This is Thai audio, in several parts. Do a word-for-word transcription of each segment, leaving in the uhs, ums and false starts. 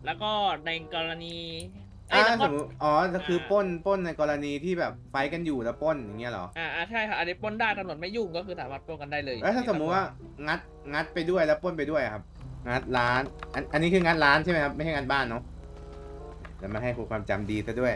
แล้วก็ในกรณีเอ้อ่ายแล้วก็สมมติอ๋อก็คือปล้อ่านปล้นในกรณีที่แบบไฟท์กันอยู่แล้วปล้นอย่างเงี้ยเหรออ่าอ่าใช่ครับอันนี้ปล้นได้ตำรวจไม่ยุ่งก็คือสามารถปล้นกันได้เลยแล้วอันนี้ครับผมถ้าสมมุติว่างัดงัดไปด้วยแล้วปล้นไปด้วยอะครับงัดร้านอันอันนี้คืองัดร้านใช่ไหมครับไม่ใช่งัดบ้านเนาะแล้วมาให้ครูความจำดีซะด้วย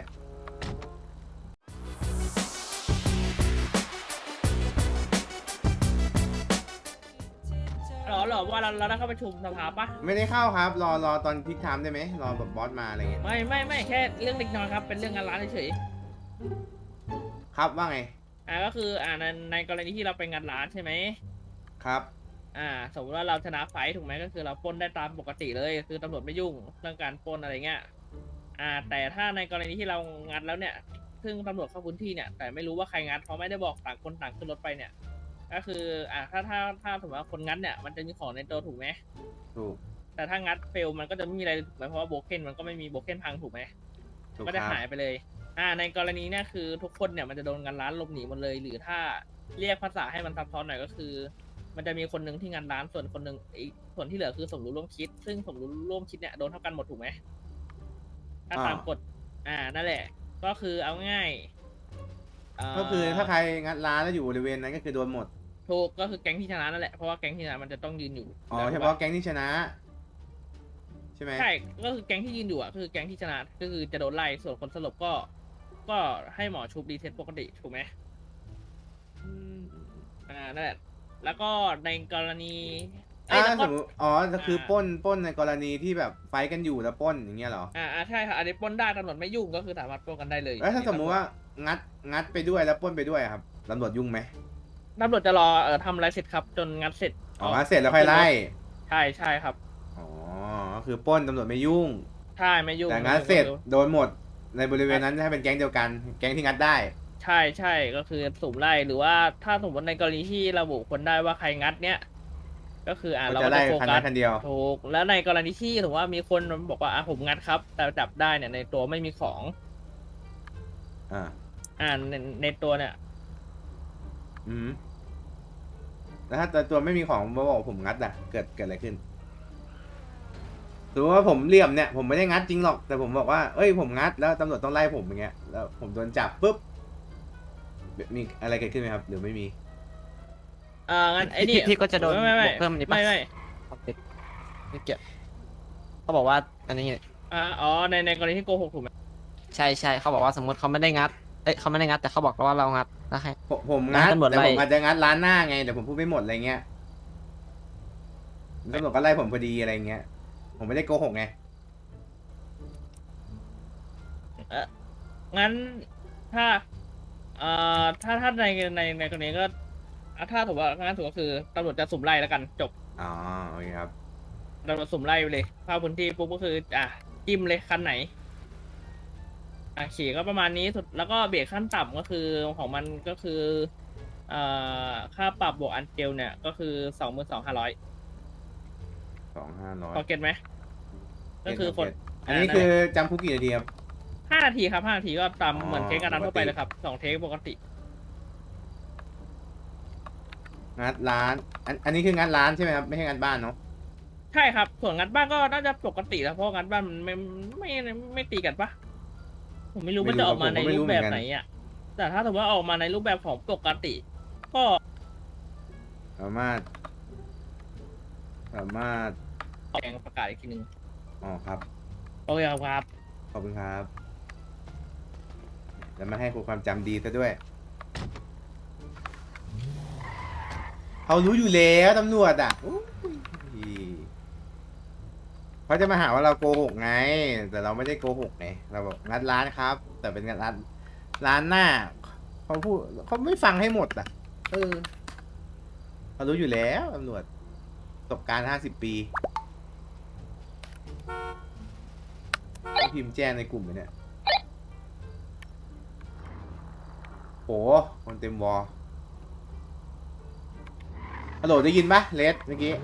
หรอหรอว่าเราเราได้เข้าประชุมสภาปะไม่ได้เข้าครับรอรอตอนพิกไทม์ได้ไหมรอแบบบอสมาอะไรเงี้ยไม่ไม่ไม่แค่เรื่องเล็กน้อยครับเป็นเรื่องงานร้านเฉยครับว่าไงๆอ่าก็คืออ่าในในกรณีที่เราไปงานร้านใช่ไหมครับอ่าสมมติว่าเราชนะไฟท์ถูกไหมก็คือเราปล้นได้ตามปกติเลยคือตำรวจไม่ยุ่งเรื่องการปล้นอะไรเงี้ยอ่าแต่ถ้าในกรณีที่เรางัดแล้วเนี่ยซึ่งตำรวจเข้าพื้นที่เนี่ยแต่ไม่รู้ว่าใครงัดเพราะไม่ได้บอกต่างคนต่างขึ้นรถไปเนี่ยก็คืออ่าถ้าถ้าถ้าสมมติว่าคนงัดเนี่ยมันจะมีของในตัวถูกไหมถูกแต่ถ้างัดเฟลมันก็จะไม่มีอะไรถูกไหมเพราะว่าโบเคนมันก็ไม่มีโบเคนพังถูกไหมถูกก็จะครับหายไปเลยอ่าในกรณีเนี่ยคือทุกคนเนี่ยมันจะโดนงันร้านหลบหนีหมดเลยหรือถ้าเรียกภาษาให้มันซับซ้อนหน่อยก็คือ มันจะมีคนหนึ่งที่งานร้านส่วนคนหนึ่งอีกส่วนที่เหลือคือสมรู้ร่วมคิดซึ่งสมรู้ร่วมคิดเนี่ยโดนเท่ากันหมดถูกไหมถ้าอ่าตามกฎอ่านั่นแหละก็คือเอาง่ายเอ่ก็คืออถ้าใครงัดร้านแล้วอยู่บริเวณนั้นก็คือโดนหมดถูกก็คือแก๊งที่ชนะนั่นแหละเพราะว่าแก๊งที่ชนะมันจะต้องยืนอยู่อ๋อแล้วถูกปะเฉพาะแก๊งที่ชนะใช่ไหมใช่ก็คือแก๊งที่ยืนอยู่อ่ะก็คือแก๊งที่ชนะก็คือจะโดนไล่ส่วนคนสลบก็ก็ให้หมอชุบรีเซ็ตปกติถูกไหมอืมอ่านั่นแหละแล้วก็ในกรณีเอ้อ่ายแล้วก็สมมติอ๋อก็อ่าคือปล้นปล้นในกรณีที่แบบไฟท์กันอยู่แล้วปล้นอย่างเงี้ยเหรออ่าอ่าใช่ครับอันนี้ปล้นได้ตำรวจไม่ยุ่งก็คือสามารถปล้นกันได้เลยแล้วถ้านี่ครับผมสมมุติว่างัดงัดไปด้วยแล้วปล้นไปด้วยอะครับตำรวจยุ่งไหมตำรวจจะรอเอ่อทำอะไรเสร็จครับจนงัดเสร็จอ๋อเอางัดเสร็จแล้วค่อขึ้นรถยไล่ใช่ใช่ครับอ๋อก็คือปล้นตำรวจไม่ยุ่งใช่ไม่ยุ่งแต่ไม่งัดเสร็จยุ่งก็คือโดนหมดในบริเวณใช่นั้นถ้าเป็นแก๊งเดียวกันแก๊งที่งัดได้ใช่ใช่ก็คือสุ่มไล่หรือว่าถ้าสมมติในกรณีที่ระบุคนได้ว่าใครงัดเนี้ยก็คืออ่าก็จะไล่เราก็จะโฟกัสคันนั้นคันเดียวถูกแล้วในกรณีที่ถือว่ามีคนบอกว่าอ่ะผมงัดครับแต่จับได้เนี่ยในตัวไม่มีของอ่าอ่าในในตัวเนี่ยอืมแล้วถ้าตัวไม่มีของมาบอกผมงัดอะเกิดเกิดอะไรขึ้นสมมติว่าผมเหลี่ยมเนี่ยผมไม่ได้งัดจริงหรอกแต่ผมบอกว่าเอ้ยผมงัดแล้วตำรวจต้องไล่ผมอย่างเงี้ยแล้วผมโดนจับปุ๊บมีอะไรเกิดขึ้นไหมครับหรือไม่มีอ่างั้นไอ้นี่พี่พี่ก็จะโดนไม่ไม่บวกเพิ่มอันนี้ปะไม่ไม่เอาติดไม่เกี่ยวเขาบอกว่าอันนี้อ่าอ๋อในในกรณีที่โกหกถูกไหมใช่ใช่เขาบอกว่าสมมติเขาไม่ได้งัดเอ้ยเขาไม่ได้งัดแต่เขาบอกเราว่าเรางัดแล้วให้ผมผมงัแล้วให้ดตำรวจแต่ไล่ผมอาจจะงัดร้านหน้าไงแต่ผมพูดไม่หมดอะไรเงี้ยตำรวจก็ไล่ผมพอดีอะไรเงี้ยผมไม่ได้โกหกไงเอองั้นถ้าเอ่อถ้าถ้าในในในกรณีก็อ่ะถ้าถือว่างั้นถือว่าคือตำรวจจะสุ่มไล่แล้วกันจบอ๋อโอเคครับตำรวจสุ่มไล่ไปเลยเข้าพื้นที่ปุ๊บก็คืออ่ะจิ้มเลยคันไหนอ่ะขี่ก็ประมาณนี้สุดแล้วก็เบรกขั้นต่ำก็คือของมันก็คือเอ่อค่าปรับบวกอันเจลเนี่ยก็คือสองหมื่นสองห้าร้อยสองห้าร้อยพอเก็ตไหมก็คือคนอันนี้คือจำคุกกี่นาทีครับห้านาทีครับห้านาทีก็ตามอ๋อเหมือนเทคการนั้นทั่วไปปกติเลยครับสองเทคปกติงัดร้านอันอันนี้คืองัดร้านใช่ไหมครับไม่ใช่งัดบ้านเนาะใช่ครับส่วนงัดบ้านก็น่าจะปกติแล้วเพราะงัดบ้านมันไม่ไม่ไม่ไม่ตีกันปะผมไม่รู้มันจะออกมาในรูปแบบไหนอ่ะแต่ถ้าถือว่าออกมาในรูปแบบของปกติ ก็สามารถสามารถแจ้งประกาศอีกทีหนึ่งอ๋อครับโอเคครับขอบคุณครับแล้วมาให้ครูความจำดีซะด้วยเขารู้อยู่แล้วตำรวจอ่ะอุ๊ยเขาจะมาหาว่าเราโกหกไง แต่เราไม่ได้โกหกไงเราบอกงัดร้านครับ แต่เป็นงัดร้านร้านหน้าเขาพูดเขาไม่ฟังให้หมดอ่ะเออเขารู้อยู่แล้วตำรวจประสบการณ์ห้าสิบปีเขาพิมพ์แจ้งในกลุ่มเลยเนี่ยโหคนเต็มวอลฮัลโหลได้ยินปะเลสเมื่อกี้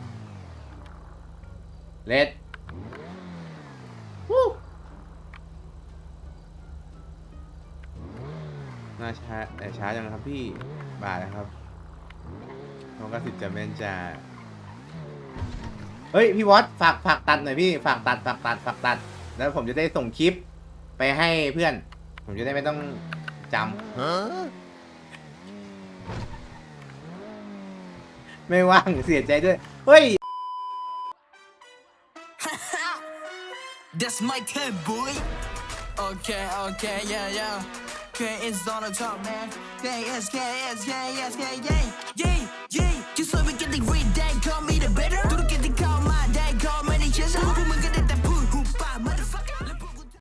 เลสวู้น่าช้าแต่ช้าจังครับพี่บ่ายแล้วครับน้องกระสิบจะเม่นจะเฮ้ยพี่วอตฝากฝากตัดหน่อยพี่ฝากตัดฝากตัดฝากตัด แล้วผมจะได้ส่งคลิปไปให้เพื่อน ผมจะได้ไม่ต้องจำไม่ว่างเสียใจด้วย เฮ้ย That's my type, boy. Okay, okay, yeah, yeah. K is on the top, man. K is, K is, K is, K, yeah, yeah.